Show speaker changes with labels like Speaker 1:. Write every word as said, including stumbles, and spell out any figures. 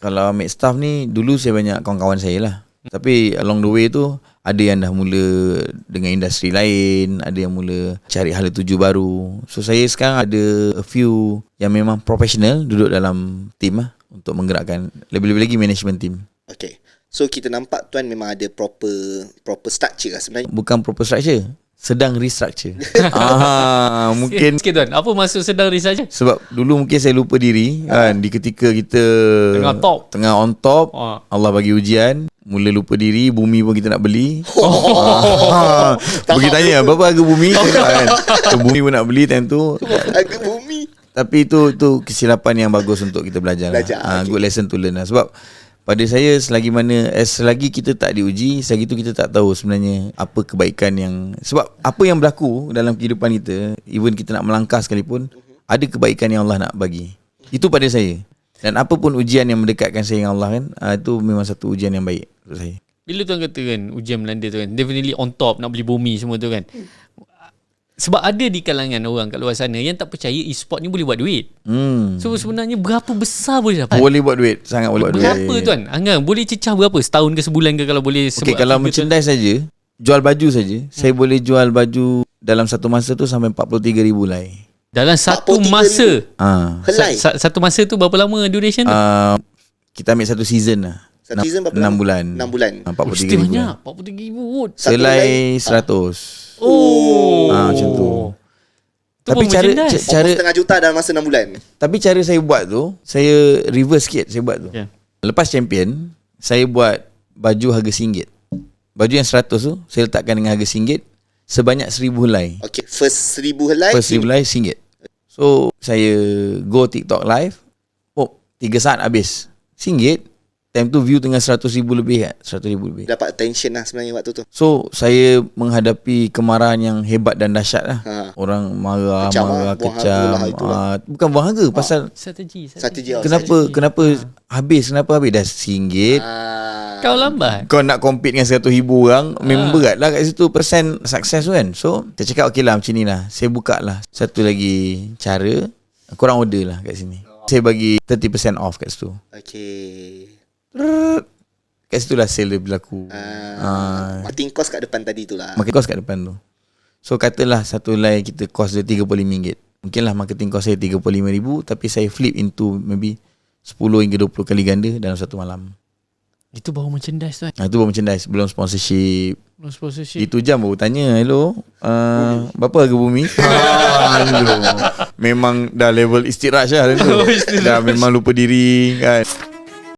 Speaker 1: Kalau ambil staff ni, dulu saya banyak kawan-kawan saya lah. Tapi along the way tu, ada yang dah mula dengan industri lain, ada yang mula cari hala tuju baru. So saya sekarang ada a few yang memang professional duduk dalam team lah, untuk menggerakkan lebih-lebih lagi management team.
Speaker 2: Okay. So kita nampak tuan memang ada proper proper structure lah sebenarnya.
Speaker 1: Bukan proper structure, sedang restructure. ah, mungkin
Speaker 3: Sikit tuan, apa maksud sedang research?
Speaker 1: sebab dulu mungkin saya lupa diri kan, di ketika kita
Speaker 3: Tengah top.
Speaker 1: Tengah on top,
Speaker 3: Ah.
Speaker 1: Allah bagi ujian, mula lupa diri, bumi pun kita nak beli.
Speaker 2: Oh.
Speaker 1: ah, pergi tanya berapa harga bumi kan. So, bumi pun nak beli time tu.
Speaker 2: Harga bumi.
Speaker 1: Tapi itu itu kesilapan yang bagus untuk kita belajar.
Speaker 2: Belajar,
Speaker 1: lah. Ah,
Speaker 2: okay.
Speaker 1: Good lesson to learn lah. Sebab pada saya selagi mana eh, selagi kita tak diuji, selagi itu kita tak tahu sebenarnya apa kebaikan yang, sebab apa yang berlaku dalam kehidupan kita, even kita nak melangkah sekalipun, ada kebaikan yang Allah nak bagi. Itu pada saya. Dan apa pun ujian yang mendekatkan saya dengan Allah kan, ah, itu memang satu ujian yang baik untuk saya.
Speaker 3: Bila tuan kata kan ujian melanda tu kan, definitely on top, nak beli bumi semua tu kan. Sebab ada di kalangan orang kat luar sana yang tak percaya e-sport ni boleh buat duit.
Speaker 1: Hmm.
Speaker 3: So sebenarnya berapa besar boleh dapat?
Speaker 1: Boleh buat duit, sangat boleh buat duit.
Speaker 3: Berapa tuan? Anggang boleh cecah berapa? Setahun ke sebulan ke kalau boleh?
Speaker 1: Okey, kalau merchandise saja, jual baju saja, hmm. saya boleh jual baju dalam satu masa tu sampai empat puluh tiga ribu lai.
Speaker 3: Dalam satu
Speaker 2: empat puluh tiga
Speaker 3: masa.
Speaker 1: Ah.
Speaker 2: Helai.
Speaker 3: Sa- satu masa tu berapa lama duration tu?
Speaker 1: Uh, kita ambil satu season lah.
Speaker 2: Satu season berapa
Speaker 1: enam
Speaker 2: lama?
Speaker 1: bulan.
Speaker 2: enam bulan.
Speaker 1: Ah, empat puluh
Speaker 3: Mesti
Speaker 1: tiga ribu.
Speaker 3: banyak. empat puluh tiga ribu.
Speaker 2: Satu
Speaker 1: Selai
Speaker 2: helai,
Speaker 1: seratus.
Speaker 3: Oh.
Speaker 1: Ah, macam tu.
Speaker 3: Tu
Speaker 1: Tapi
Speaker 3: pun
Speaker 1: cara
Speaker 3: merchandise.
Speaker 1: ca- cara
Speaker 2: Setengah juta dalam masa enam bulan.
Speaker 1: tapi cara saya buat tu, saya reverse sikit saya buat tu.
Speaker 3: Yeah.
Speaker 1: Lepas champion, saya buat baju harga RM one. Baju yang seratus tu saya letakkan dengan harga RM one sebanyak seribu helai.
Speaker 2: Okay, first seribu helai.
Speaker 1: First seribu helai RM one. So saya go TikTok live, oh, tiga saat habis. RM one. Time tu view tengah seratus ribu lebih kan? seratus ribu lebih.
Speaker 2: Dapat attention lah sebenarnya waktu tu.
Speaker 1: So saya menghadapi kemarahan yang hebat dan dahsyat lah.
Speaker 2: Ha.
Speaker 1: Orang marah,
Speaker 2: Kecam
Speaker 1: marah,
Speaker 2: lah, buang
Speaker 1: kecam.
Speaker 2: harga lah, itulah.
Speaker 1: Ah, bukan buang harga, pasal
Speaker 3: Strategi.
Speaker 2: Strategi.
Speaker 1: kenapa kenapa habis, kenapa habis dah RM one.
Speaker 2: Ah.
Speaker 3: Kau lambat.
Speaker 1: Kau nak compete dengan seratus ribu orang, memang berat lah kat situ persen sukses tu kan. So saya cakap okey lah macam ni lah, saya buka lah satu lagi cara, korang order lah kat sini. Saya bagi tiga puluh persen off kat situ.
Speaker 2: Okay.
Speaker 1: Kat situ lah sale dia berlaku.
Speaker 2: Ah. Marketing cost kat depan tadi tu lah.
Speaker 1: Marketing cost kat depan tu. So katalah satu helai kita cost dia tiga puluh lima ringgit. Mungkinlah marketing cost saya tiga puluh lima ribu, tapi saya flip into maybe sepuluh hingga dua puluh kali ganda dalam satu malam.
Speaker 3: Itu baru merchandise tuan.
Speaker 1: Nah, itu baru merchandise, belum sponsorship.
Speaker 3: No sponsorship.
Speaker 1: Itu jam baru tanya, hello, uh, berapa harga bumi? Aduh, memang dah level istiraj lah tu. Dah memang lupa diri kan.